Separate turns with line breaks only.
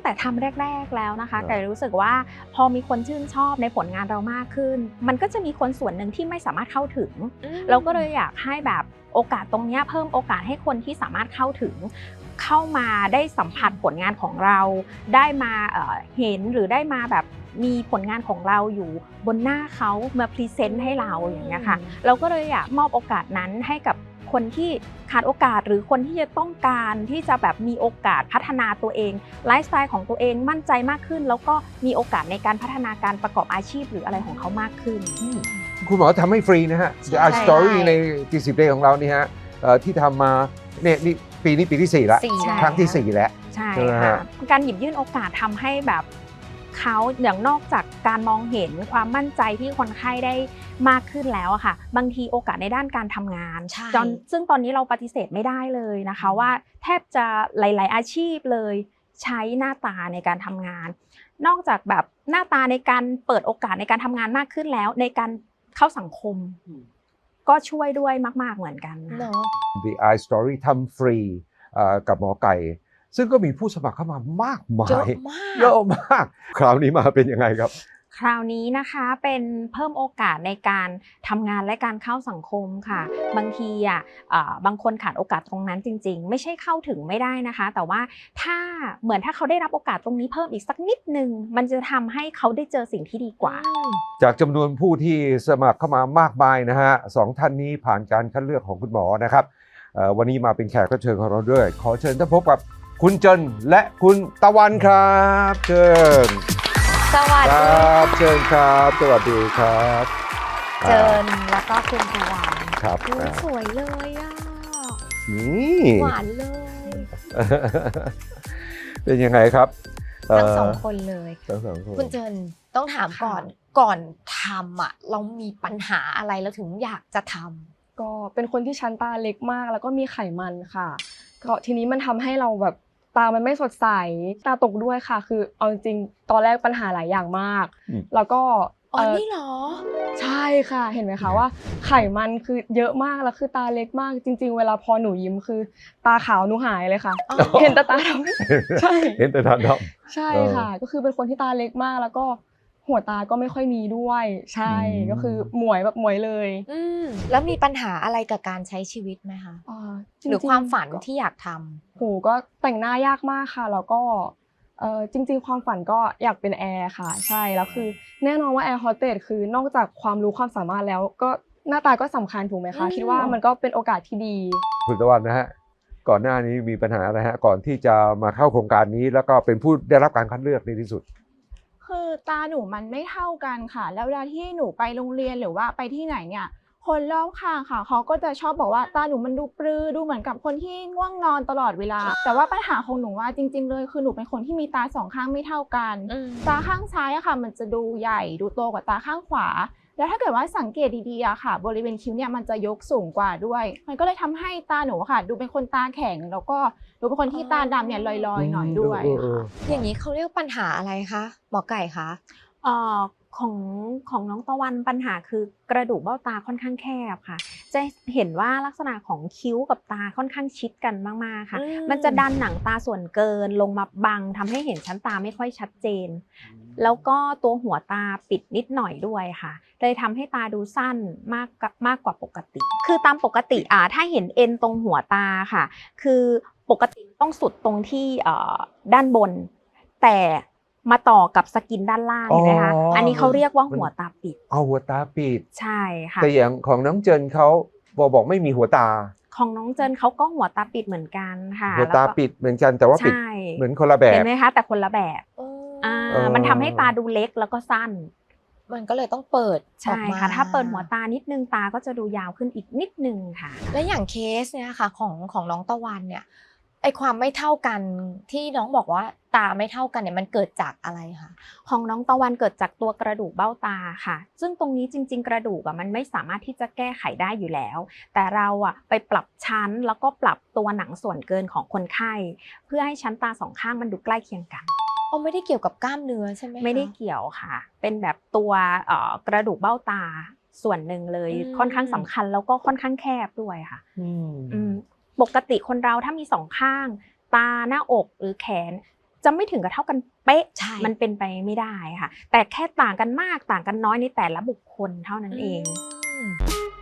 แต่ทำแรกๆแล้วนะคะไก่รู้สึกว่าพอมีคนชื่นชอบในผลงานเรามากขึ้นมันก็จะมีคนส่วนหนึ่งที่ไม่สามารถเข้าถึงเราก็เลยอยากให้แบบโอกาสตรงนี้เพิ่มโอกาสให้คนที่สามารถเข้าถึงเข้ามาได้สัมผัสผลงานของเราได้มาเห็นหรือได้มาแบบมีผลงานของเราอยู่บนหน้าเขามาพรีเซนต์ให้เราอย่างเงี้ยค่ะเราก็เลยอยากมอบโอกาสนั้นให้กับคนที่ขาดโอกาสหรือคนที่จะต้องการที่จะแบบมีโอกาสพัฒนาตัวเองไลฟ์สไตล์ของตัวเองมั่นใจมากขึ้นแล้วก็มีโอกาสในการพัฒนาการประกอบอาชีพหรืออะไรของเขามากขึ้น
คุณหมอทำให้ฟรีนะฮะ The Art Story ใน40 Day ของเรานี่ฮะที่ทำมาเนี่ยนี่ปีนี้ปีที่4แล้วครั้งที่4แล้ว
ใช่ค่ะการหยิบยื่นโอกาสทำให้แบบเขาอย่างนอกจากการมองเห็นความมั่นใจที่คนไข้ได้มากขึ้นแล้วอะค่ะบางทีโอกาสในด้านการทำงานซึ่งตอนนี้เราปฏิเสธไม่ได้เลยนะคะว่าแทบจะหลายๆอาชีพเลยใช้หน้าตาในการทำงานนอกจากแบบหน้าตาในการเปิดโอกาสในการทำงานมากขึ้นแล้วในการเข้าสังคมก็ช่วยด้วยมากๆเหมือนกันนะ
The Art Story ทำฟรีกับหมอไก่ซึ่งก็มีผู้สมัครเข้ามามากมายเยอะมากคราวนี้มาเป็นยังไงครับ
คราวนี้นะคะเป็นเพิ่มโอกาสในการทำงานและการเข้าสังคมค่ะบางทีบางคนขาดโอกาสตรงนั้นจริงๆไม่ใช่เข้าถึงไม่ได้นะคะแต่ว่าถ้าเขาได้รับโอกาสตรงนี้เพิ่มอีกสักนิดนึงมันจะทำให้เขาได้เจอสิ่งที่ดีกว่า
จากจำนวนผู้ที่สมัครเข้ามามากมายนะฮะ2 ท่านนี้ผ่านการคัดเลือกของคุณหมอนะครับวันนี้มาเป็นแขกรับเชิญของเราด้วยขอเชิญท่านพบกับคุณเจินและคุณตะวันครับเชิญ
สวัสดี
ครับเชิญครับสวัสดีครับ
เจินแล้วก็คุณตะวัน
ครับ
สวยเลยอ่ะหวานเลย
เป็นยังไงครับ
ทั้ง2 คนเลย
คุณเจินต้องถามก่อนทำเรามีปัญหาอะไรแล้วถึงอยากจะทำ
ก็เป็นคนที่ชั้นตาเล็กมากแล้วก็มีไขมันค่ะก็ทีนี้มันทำให้เราแบบตามันไม่สดใสตาตกด้วยค่ะคือเอาจริงๆตอนแรกปัญหาหลายอย่างมากแล้วก็
นี่เหรอ
ใช่ค่ะเห็นไหมคะว่าไขมันคือเยอะมากแล้วคือตาเล็กมากจริงๆเวลาพอหนูยิ้มคือตาขาวหนูหายเลยค่ะเห็นแต่ตาดำใช่
เห็นแต่ตาด
ำใช่ค่ะก็คือเป็นคนที่ตาเล็กมากแล้วก็หัวตาก็ไม่ค่อยมีด้วยใช่ก็คือหมวยแบบหมวยเลย
แล้วมีปัญหาอะไรกับการใช้ชีวิตไหมคะหรือความฝันที่อยากทำ
โหก็แต่งหน้ายากมากค่ะแล้วก็จริงๆความฝันก็อยากเป็นแอร์ค่ะใช่แล้วคือแน่นอนว่าแอร์โฮสเตสคือนอกจากความรู้ความสามารถแล้วก็หน้าตาก็สำคัญถูกไหมคะคิดว่ามันก็เป็นโอกาสที่ดี
คุณตะวันนะฮะก่อนหน้านี้มีปัญหาอะไรฮะก่อนที่จะมาเข้าโครงการนี้แล้วก็เป็นผู้ได้รับการคัดเลือกในที่สุด
คือตาหนูมันไม่เท่ากันค่ะแล้วเวลาที่หนูไปโรงเรียนหรือว่าไปที่ไหนเนี่ยคนรอบข้างค่ะเขาก็จะชอบบอกว่าตาหนูมันดูปรือดูเหมือนกับคนที่ง่วงนอนตลอดเวลาแต่ว่าปัญหาของหนูว่าจริงๆเลยคือหนูเป็นคนที่มีตา2 ข้างไม่เท่ากันตาข้างซ้ายอะค่ะมันจะดูใหญ่ดูโตกว่าตาข้างขวาแล้วถ้าเกิดว่าสังเกตดีๆอะค่ะบริเวณคิ้วเนี่ยมันจะยกสูงกว่าด้วยมันก็เลยทำให้ตาหนูค่ะดูเป็นคนตาแข็งแล้วก็ดูเป็นคนที่ตาดำเนี่ยลอยๆหน่อยด้วย
อย่างนี้เขาเรียกปัญหาอะไรคะหมอไก่คะ
ของน้องตะวันปัญหาคือกระดูกเบ้าตาค่อนข้างแคบค่ะจะเห็นว่าลักษณะของคิ้วกับตาค่อนข้างชิดกันมากๆค่ะมันจะดันหนังตาส่วนเกินลงมาบังทำให้เห็นชั้นตาไม่ค่อยชัดเจนแล้วก็ตัวหัวตาปิดนิดหน่อยด้วยค่ะเลยทำให้ตาดูสั้นมากกว่าปกติคือตามปกติถ้าเห็นเอ็นตรงหัวตาค่ะคือปกติต้องสุดตรงที่ด้านบนแต่มาต่อกับสกินด้านล่างเห็นไหมคะอันนี้เขาเรียกว่าหัวตาปิด
หัวตาปิด
ใช่ค่ะ
แต่อย่างของน้องเจินเขาบอกไม่มีหัวตา
ของน้องเจินเขาก็หัวตาปิดเหมือนกันค่ะ
หัวตาปิดเหมือนกันแต่ว่าปิดเหมือนคนละแบบ
เห็นไหมคะแต่คนละแบบมันทำให้ตาดูเล็กแล้วก็สั้น
มันก็เลยต้องเปิด
ใช่ค่ะถ้าเปิดหัวตานิดนึงตาก็จะดูยาวขึ้นอีกนิดนึงค่ะ
และอย่างเคสเนี่ยค่ะของน้องตะวันเนี่ยไอความไม่เท่ากันที่น้องบอกว่าตาไม่เท่ากันเนี่ยมันเกิดจากอะไรคะ
ของน้องตะวันเกิดจากตัวกระดูกเบ้าตาค่ะซึ่งตรงนี้จริงๆกระดูกมันไม่สามารถที่จะแก้ไขได้อยู่แล้วแต่เราไปปรับชั้นแล้วก็ปรับตัวหนังส่วนเกินของคนไข้เพื่อให้ชั้นตา2 ข้างมันดูใกล้เคียงกัน
ไม่ได้เกี่ยวกับกล้ามเนื้อใช่ไหมคะ
ไม่ได้เกี่ยวค่ะเป็นแบบตัวกระดูกเบ้าตาส่วนหนึ่งเลยค่อนข้างสำคัญแล้วก็ค่อนข้างแคบด้วยค่ะปกติคนเราถ้ามี2 ข้างตาหน้าอกหรือแขนจะไม่ถึงกับเท่ากันเป๊ะ
ใช่
มันเป็นไปไม่ได้ค่ะ แต่แค่ต่างกันมากต่างกันน้อยในแต่ละบุคคลเท่านั้นเอง
อืม